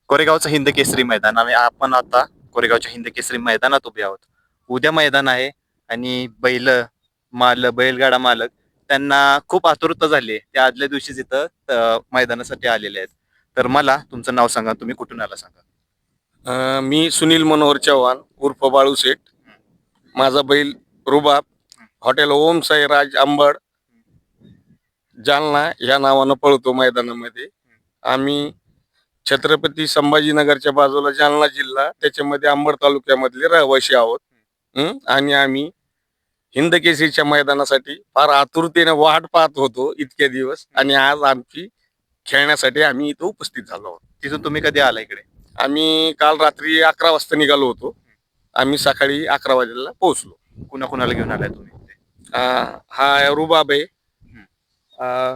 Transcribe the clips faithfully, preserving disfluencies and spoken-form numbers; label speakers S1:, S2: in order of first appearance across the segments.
S1: कोरेगावचं हिंद केसरी मैदान आणि आपण आता कोरेगावच्या हिंद केसरी मैदानात उभे आहोत. उद्या मैदान आहे आणि बैल माल बैलगाडा मालक त्यांना खूप आतुरता झाली आहे. ते आदल्या दिवशीच इथं अ, मैदानासाठी आलेले आहेत. तर मला तुमचं नाव सांगा, तुम्ही कुठून आला सांगा.
S2: अ, मी सुनील मनोहर चव्हाण उर्फ बाळू शेठ. माझा बैल रुबाब हॉटेल ओम साई राज अंबड जालना या नावानं पळतो मैदानामध्ये. आम्ही छत्रपती संभाजीनगरच्या बाजूला जालना जिल्हा त्याच्यामध्ये अंबड तालुक्यामधले रहिवासी आहोत. हं? आणि आम्ही हिंद केसरीच्या मैदानासाठी फार आतुरतेने वाट पाहत होतो इतके दिवस, आणि आज आमची खेळण्यासाठी आम्ही इथं उपस्थित झालो आहोत.
S1: तिथून तुम्ही कधी आला इकडे?
S2: आम्ही काल रात्री अकरा वाजता निघालो होतो. आम्ही सकाळी अकरा वाजेला पोहोचलो.
S1: कुणा कुणाला घेऊन आलाय तुम्ही?
S2: अं, हा रुबाब आहे. अं,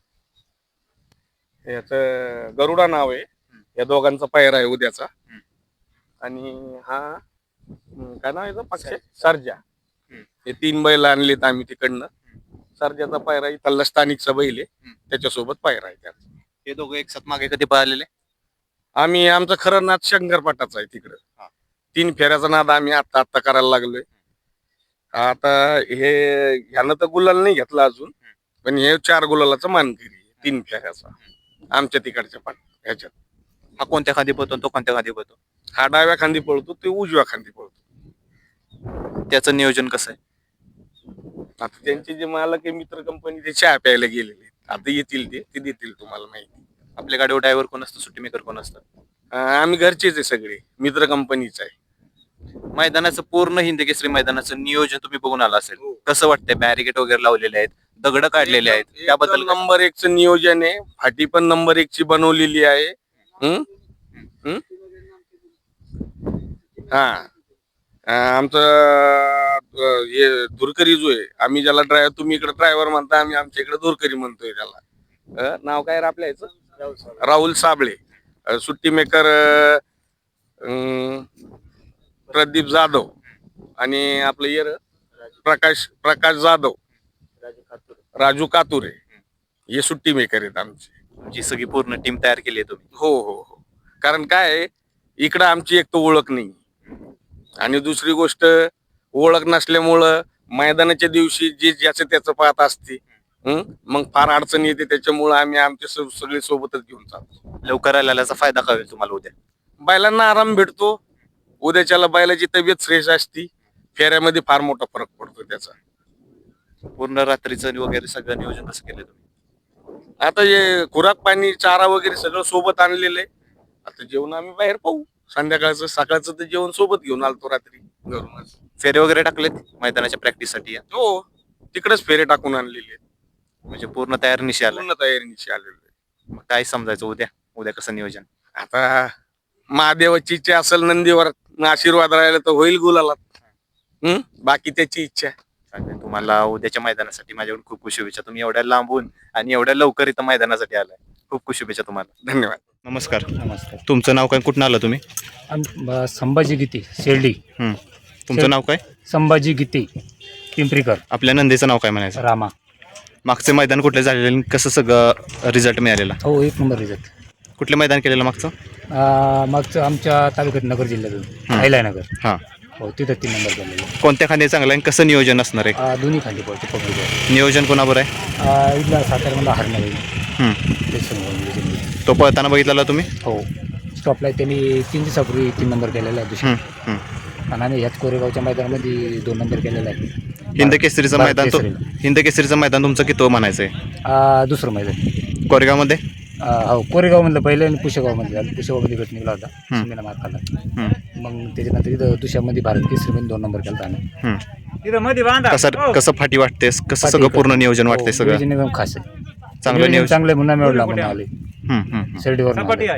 S2: याचं गरुडा नाव आहे. या दोघांचा पायरा आहे उद्याचा. आणि हा हं, काय नाव आहे याचं? पक्ष सर्जा. हे तीन बैल आणलेत आम्ही तिकडनं. सर्जाचा पायरा इथला स्थानिकचा बैल आहे, त्याच्यासोबत पायरा आहे त्याचा.
S1: हे दोघं एक साथ मागे कधी पळालेले?
S2: आम्ही आमचं खरं नाद शंकरपाटाचा आहे तिकडं. तीन फेऱ्याचा नाद आम्ही आता आता करायला लागलोय. आता हे ह्यानं तर गुलाल नाही घेतला अजून, पण हे चार गुलालाचा मानकरी आहे तीन फेऱ्याचा आमच्या तिकडच्या पाट ह्याच्यात.
S1: हा कोणत्या खांदी पळतो, तो कोणत्या खांदी पळतो?
S2: हा डाव्या खांदी पळतो, ते उजव्या खांदी पळतो.
S1: त्याचं नियोजन कसं आहे?
S2: आता त्यांचे जे मालक आहे मित्र कंपनी, ते चहा प्यायला गेलेले आहेत. आता येतील ते ते देतील तुम्हाला माहिती.
S1: आपल्या गाडीवर ड्रायव्हर कोण असतं, सुट्टी मेकर कोण असतं?
S2: अं, आम्ही घरचेच आहे सगळे, मित्र कंपनीच आहे.
S1: मैदानाचं पूर्ण हिंद केसरी मैदानाचं नियोजन तुम्ही बघून आला असेल. कसं वाटतंय? बॅरिकेड वगैरे लावलेले आहेत, दगड काढलेले आहेत, त्याबद्दल
S2: एकदम नंबर एकच नियोजन आहे. फाटी पण नंबर एक ची बनवलेली आहे. हं? हं? हा अं, आमचं अं, हे धुरकरी जो आहे, आम्ही ज्याला ड्रायव्हर, तुम्ही इकडे ड्रायव्हर म्हणता, आम्ही आमच्या इकडे धुरकरी म्हणतोय त्याला. अं, नाव काय रे आपल्या याचं? राहुल साबळे. अं, सुट्टी मेकर प्रदीप जाधव. आणि आपलं येर प्रकाश प्रकाश जाधव, राजू कातुरे, हे सुट्टी मेकर आहेत आमचे.
S1: जी सगळी पूर्ण टीम तयार केली आहे तुम्ही?
S2: हो हो हो. कारण काय आहे, इकडं आमची एक तर ओळख नाही, आणि दुसरी गोष्ट ओळख नसल्यामुळं मैदानाच्या दिवशी जे ज्याचं त्याचं पाहत असते. हं? मग फार अडचण येते. त्याच्यामुळं आम्ही आमचे स- सगळे सोबतच घेऊन जातो.
S1: लवकर आल्याचा फायदा काय होईल तुम्हाला उद्या?
S2: बैलांना आराम भेटतो. उद्याच्याला बैलाची तब्येत फ्रेश असती. फेऱ्यामध्ये फार मोठा फरक पडतो त्याचा.
S1: पूर्ण रात्रीचं वगैरे सगळं नियोजन कसं केलं तुम्ही?
S2: आता हे खुराक पाणी चारा वगैरे सगळं सोबत आणलेलं आहे. आता जेवण आम्ही बाहेर पाहू. संध्याकाळचं सकाळचं तर जेवण सोबत घेऊन आलतो रात्री घरूनच.
S1: फेरे वगैरे टाकलेत मैदानाच्या प्रॅक्टिससाठी?
S2: हो, तिकडेच फेरे टाकून आणलेले आहेत.
S1: म्हणजे पूर्ण तयार निशी आला.
S2: पूर्ण तयारीनिशी आलेलो आहे.
S1: मग काय समजायचं उद्या? उद्या कसं नियोजन?
S2: आता महादेवाची इच्छा असेल, नंदीवर आशीर्वाद राहिला तर होईल गुलालात. हम्म बाकी त्याची इच्छा आहे.
S1: चालेल. तुम्हाला उद्याच्या मैदानासाठी माझ्याकडून खूप खूप शुभेच्छा. तुम्ही एवढ्या लांबून आणि एवढ्या लवकर इथं मैदानासाठी आलाय, खूप खूप शुभेच्छा तुम्हाला.
S2: धन्यवाद.
S1: नमस्कार.
S3: नमस्कार.
S1: तुमचं नाव काय, कुठून आला तुम्ही?
S3: आम- ब- संभाजी गीते शिर्डी.
S1: हं. तुमचं नाव काय?
S3: संभाजी गीते पिंपरीकर
S1: आपल्या नंदीचं नाव काय म्हणायचं?
S3: रामा.
S1: मागचे मैदान कुठले झालेले आणि कसं सगळं रिझल्ट मिळालेला?
S3: हो, एक नंबर रिझल्ट.
S1: कुठले मैदान केलेलं मागचं?
S3: मागचं आमच्या तालुक्यात नगर जिल्ह्यातून आयला नगर.
S1: हां.
S3: हो, तिथं तीन नंबर झालेलं.
S1: कोणत्या खांदी चांगलं आहे आणि कसं नियोजन असणार आहे?
S3: आ, दोन्ही खाली पडते पकडले.
S1: नियोजन कोणाबरोबर आहे?
S3: इथला साताऱ्याला हरणं
S1: हं.
S3: ते समोर.
S1: तो पळताना बघितलेला तुम्ही?
S3: हो, स्टॉपला त्यांनी तीन दिवसापूर्वी तीन नंबर केलेला आहे दुसरा.
S1: हं. हं.
S3: आणि आम्ही ह्याच कोरेगावच्या मैदानामध्ये दोन नंबर केलेला आहे.
S1: हिंद केसरीचं
S3: भारत
S1: मैदान तो
S3: केसरीला.
S1: हिंद केसरीचं मैदान तुमचं किती म्हणायचं आहे
S3: आ, दुसरं मैदान
S1: कोरेगावमध्ये?
S3: आ, हो, कोरेगावमधलं पहिलं आणि पुशेगावमध्ये झालं. पुशेगावमध्ये गट निघाला होता,
S1: हं.
S3: सुमीला मार खाल्ला.
S1: हं.
S3: मग त्याच्यानंतर इथं दुसऱ्यामध्ये भारत केसरीमध्ये दोन नंबर केला आम्ही.
S1: हं.
S3: तिथं मध्ये बांधा.
S1: कसं कसं फाटी वाटते, कसं सगळं पूर्ण नियोजन वाटते सगळं?
S3: नियोजन एकदम खास आहे.
S1: चांगलं
S3: नियोजन
S1: नियोजन.
S3: चांगलं आहे म्हणून आम्ही एवढं म्हणून आले
S1: हं. हं. हं.
S3: शिर्डीवर.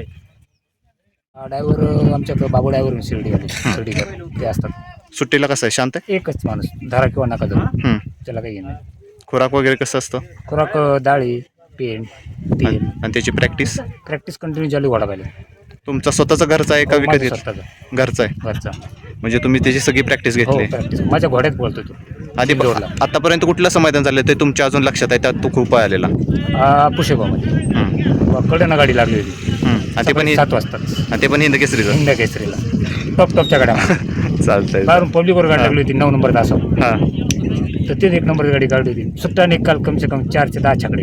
S3: ड्रायव्हर आमच्याकडे बाबू ड्रायव्हर शिर्डी आले शिर्डीकर ते असतात.
S1: सुट्टीला कसं आहे, शांत आहे?
S3: एकच माणूस धारा किंवा नका जाऊ,
S1: हं.
S3: त्याला काही घेणं.
S1: खुराक वगैरे कसं असतं
S3: खुराक डाळी पेन तेल.
S1: आणि त्याची प्रॅक्टिस?
S3: प्रॅक्टिस कंटिन्यू चालू वाढा पाहिजे.
S1: तुमचा स्वतःचा घरचा आहे का
S3: हो,
S1: विकत
S3: माझा
S1: घेतला?
S3: स्वतःचा
S1: घरचा आहे.
S3: घरचा.
S1: म्हणजे तुम्ही त्याची सगळी प्रॅक्टिस
S3: हो,
S1: घेतली?
S3: प्रॅक्टिस माझ्या घोड्यात बोलतो तो.
S1: आधी
S3: जोडला.
S1: आतापर्यंत कुठलं समाधान झालं ते तुमच्या अजून लक्षात आहे, त्यात तो खूप आलेला?
S3: पुशेगावमध्ये
S1: हं.
S3: कडनं गाडी लागली होती.
S1: हम्म. आणि ते पण
S3: सात वाजता
S1: आणि ते पण हिंद केसरीचं
S3: हिंद केसरीला टॉप टॉपच्या गाड्या
S1: चालतंय.
S3: बाहेरून पब्लिकवर गाडी लागली होती नऊ नंबर तासावर.
S1: हा
S3: तर तेच एक नंबर गाडी काढली होती सुट्टा निकाल कम से कम चारशे दहा छकडे.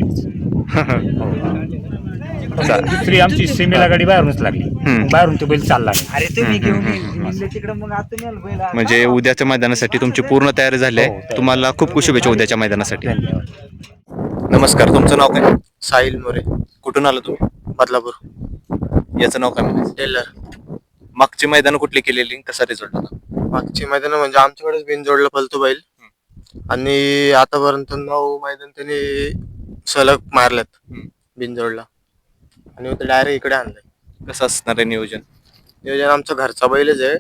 S3: दुसरी आमची सीमेला गाडी बाहेरूनच लागली.
S1: हम्म.
S3: बाहेरून तो बैल चालला नाही.
S4: अरे तुम्ही
S1: हम्म,
S4: घेऊन
S1: हम्म,
S4: येईल तिकडे मग आता मी आलो पहिला.
S1: म्हणजे उद्याच्या मैदानासाठी तुमची पूर्ण तयारी झाली
S3: हो,
S1: आहे.
S3: तयारी.
S1: तुम्हाला खूप खूप शुभेच्छा उद्याच्या मैदानासाठी.
S3: धन्यवाद.
S1: नमस्कार, तुमचं नाव काय?
S5: साहिल मोरे,
S1: कुठून आलं तुम्ही?
S5: बदलापूर.
S1: याचं नाव काय म्हणायचं?
S5: टेलर.
S1: मागची मैदान कुठली केलेली, कसा रिझल्ट होता?
S5: मागची मैदान म्हणजे आमच्याकडेच बिनजोडला पलतो बैल आणि आतापर्यंत नऊ मैदान त्यांनी सलग मारल्यात
S1: हम्म.
S5: बिनजोडला आणि मग डायरेक्ट इकडे आणलंय.
S1: कसं असणार आहे नियोजन?
S5: नियोजन आमचा घरचा बैलच आहे,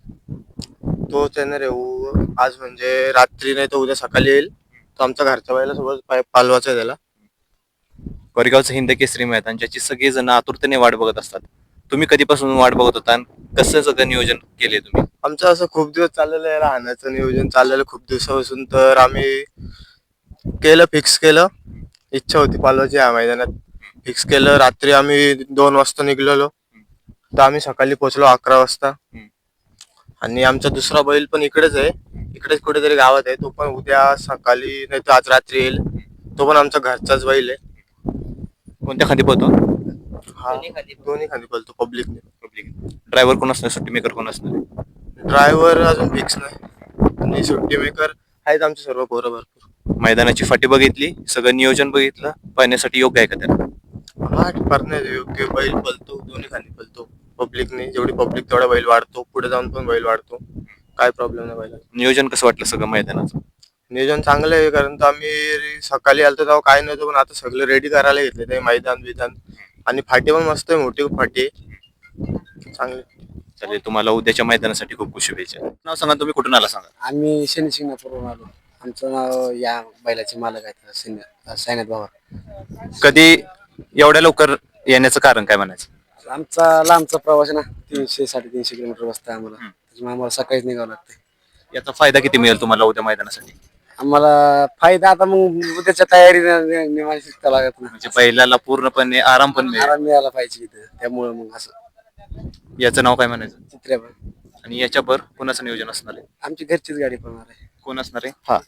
S5: तोच येणार आहे. उ- आज म्हणजे रात्री नाही तर उद्या सकाळी येईल. तो आमच्या घरच्या बैलासोबत पाय- पालवाचा आहे त्याला.
S1: कोरेगावचं हिंद केसरी मैदान ज्याची सगळी जण आतुरतेने वाट बघत असतात, तुम्ही कधीपासून वाट बघत होता आणि कसं सगळं नियोजन केले तुम्ही?
S5: आमचं असं खूप दिवस चाललेलं आहे, राहण्याचं नियोजन चाललेलं खूप दिवसापासून. तर आम्ही केलं, फिक्स केलं. इच्छा होती पालवाची या मैदानात. फिक्स केलं. रात्री आम्ही दोन वाजता निघलेलो तर आम्ही सकाळी पोहोचलो अकरा वाजता. आणि आमचा दुसरा बैल पण इकडेच आहे, इकडेच कुठेतरी गावात आहे. तो पण उद्या सकाळी नाही तर आज रात्री येईल. तो पण आमचा घरचाच बैल आहे.
S1: कोणत्या खाली पोहतो?
S5: हा दोन्ही खाली पळतो पब्लिकने.
S1: पब्लिक ड्रायव्हर कोण असणार, सुट्टी मेकर कोण असणार?
S5: ड्रायव्हर अजून फिक्स नाही आणि सुट्टी मेकर आहेत आमचे सर्व पोरं भरपूर.
S1: मैदानाची फाटी बघितली, सगळं नियोजन बघितलं, पाहण्यासाठी योग्य आहे का त्याला?
S5: हा परत योग्य बैल पळतो, दोन्ही खाली पळतो पब्लिकने. जेवढी पब्लिक तेवढा बैल वाढतो, पुढे जाऊन पण बैल वाढतो. काय प्रॉब्लेम नाही बैला.
S1: नियोजन कसं वाटलं सगळं मैदानाचं?
S5: नियोजन चांगलं आहे, कारण तर आम्ही सकाळी आलतो तेव्हा काय नव्हतं, पण आता सगळं रेडी करायला घेतले ते मैदान बिदान. आणि फाटी पण मस्त आहे, मोठी फाटी आहे चांगली.
S1: चालेल, तुम्हाला उद्याच्या मैदानासाठी खूप खूप शुभेच्छा. नाव सांगा, तुम्ही कुठून आला सांगा?
S4: आम्ही शनी शिंगणापूरवरून आलो. आमचं नाव या बैलाचे मालक आहेत सायनाथ बाबा.
S1: कधी एवढ्या लवकर येण्याचं कारण काय म्हणायचं?
S4: आमचा लांबचा प्रवास आहे ना, तीनशे साडेतीनशे किलोमीटर बसता आम्हाला. त्याच्यामुळे आम्हाला सकाळीच निघावं लागतंय.
S1: याचा फायदा किती मिळेल तुम्हाला उद्या मैदानासाठी?
S4: आम्हाला फायदा आता मग उद्याच्या तयारीने निवांत शिकता लागत ना,
S1: म्हणजे बैलाला पूर्णपणे आराम पण मिळेल.
S4: आराम मिळाला पाहिजे इथं. त्यामुळे मग असं
S1: याचं नाव काय म्हणायचं?
S4: चित्र्यावर
S1: आणि याच्यावर कोणाचं नियोजन असणार आहे?
S4: आमची घरचीच गाडी पळणार आहे.
S1: कोण असणार आहे? हा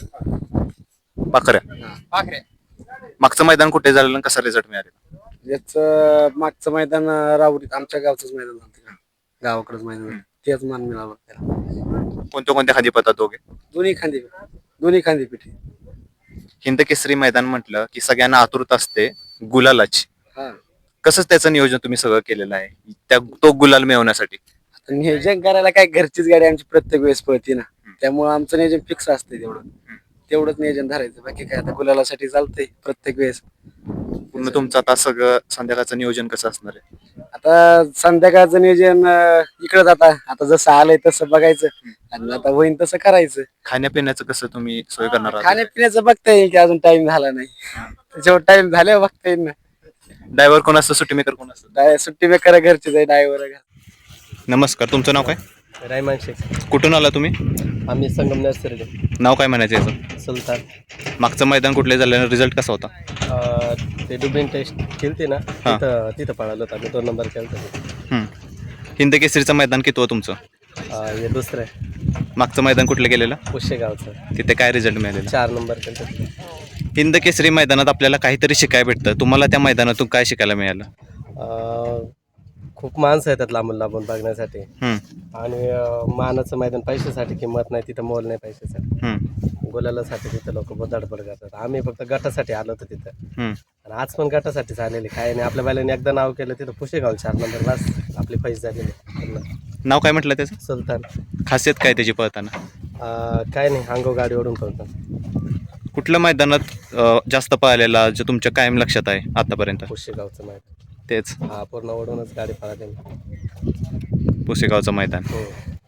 S1: पाखऱ्या. मागचं मैदान कुठे झालं आणि कसा रिझल्ट मिळाला?
S4: याच मागचं मैदान राहुरी आमच्या गावचंच मैदान झालं तिकडं, गावाकडंच मैदान झालं. तेच मान मिळालं त्याला.
S1: कोणत्या कोणत्या खाली पळतात दोघे?
S4: दोन्ही खांदी दोन्ही खांदी पिठी.
S1: हिंद केसरी मैदान म्हटलं की सगळ्यांना आतुरता असते गुलालाची.
S4: हा
S1: कसं त्याचं नियोजन तुम्ही सगळं केलेलं आहे त्या तो गुलाल मिळवण्यासाठी?
S4: आता नियोजन करायला काय, घरचीच गाडी आमची प्रत्येक वेळेस पळते ना, त्यामुळे आमचं नियोजन फिक्स असते. तेवढं तेवढंच नियोजन धरायचं, बाकी काय आता गुलालासाठी चालतंय प्रत्येक वेळेस.
S1: पूर्ण तुमचं आता सगळं संध्याकाळचं नियोजन कसं असणार आहे?
S4: आता संध्याकाळचं नियोजन इकडे आता आता जसं आलंय तसं बघायचं आणि आता होईन तसं करायचं.
S1: खाण्यापिण्याचं कसं तुम्ही सोय करणार आहात?
S4: खाण्यापिण्याचं बघता येईल की अजून टाइम झाला नाही, त्याच्यावर टाइम झाल्यावर बघता येईल ना.
S1: ड्रायव्हर कोण असतं, सुट्टी मेकर कोण असतं?
S4: डाय- सुट्टी मेकर घरचीच आहे, ड्रायव्हर.
S1: नमस्कार, तुमचं नाव काय?
S6: रायमान शेख.
S1: कुठून आला तुम्ही?
S6: आम्ही संगमनेर सरडे.
S1: नाव काय म्हणायचं याचं?
S6: सुलतान.
S1: मागचं मैदान कुठले झालं, रिझल्ट कसा होता?
S6: अं, ते डुबिन टेस्ट खेळते ना,
S1: हा.
S6: तिथं तिथं पळालो होतो आम्ही. दोन नंबर खेळतो.
S1: हम्म. हिंद केसरीचं मैदान किती हो तुमचं?
S6: हे दुसरं आहे
S1: मागचं मैदान कुठलं गेलेलं?
S6: पुशेगावचं.
S1: तिथे काय रिझल्ट मिळालेला?
S6: चार नंबर खेळतो.
S1: हिंद केसरी मैदानात आपल्याला काहीतरी शिकायला भेटतं. तुम्हाला त्या मैदानातून काय शिकायला मिळालं?
S6: अं, खूप माणसं येतात लांबून लांबून बघण्यासाठी.
S1: हम्म.
S6: आणि अं, मानाचं मैदान पैशासाठी किंमत नाही, तिथं मोल नाही पैशासाठी.
S1: हम्म.
S6: गुलालासाठी तिथं लोक धडपड करतात. आम्ही फक्त गटासाठी आलो होतो तिथं,
S1: हम्म.
S6: आणि आज पण गटासाठीच आलेले. काय नाही, आपल्या बैलांनी एकदा नाव केलं तिथं पुशेगाव चार नंबर, बस आपली पैसे झालेले पूर्ण.
S1: नाव काय म्हटलं त्याचं?
S6: सुलतान.
S1: खासियत काय त्याची पळताना?
S6: अं, काय नाही, अंगो गाडी ओढून पळतो.
S1: कुठल्या मैदानात अं, जास्त पळालेला जो तुमच्या कायम लक्षात आहे आतापर्यंत?
S6: पुशेगावचं मैदान.
S1: तेच
S6: हा, पूर्ण ओढूनच गाडी पळाली.
S1: पुसेगावचं मैदान.
S6: हो.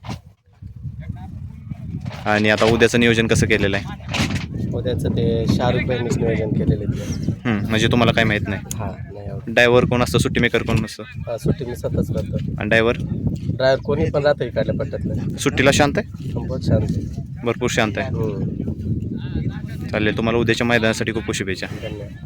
S1: आणि आता उद्याचं नियोजन कसं केलेलं आहे?
S6: उद्याचं ते शाहरुख भाईंनीच नियोजन केलेले ते.
S1: हम्म, म्हणजे तुम्हाला काय माहित नाही?
S6: हा, नाही आवडत.
S1: ड्रायव्हर कोण असतं, सुट्टी मेकर कोण नसतं?
S6: हा, सुट्टी मी स्वतःच करतो.
S1: आणि ड्रायव्हर
S6: ड्रायव्हर कोणी पण राहतो इकडल्या पट्ट्यातलं.
S1: सुट्टीला शांत आहे?
S6: बहुत शांत आहे.
S1: भरपूर शांत आहे.
S6: हो,
S1: चालेल, तुम्हाला उद्याच्या मैदानासाठी खूप खूप शुभेच्छा.
S6: धन्यवाद.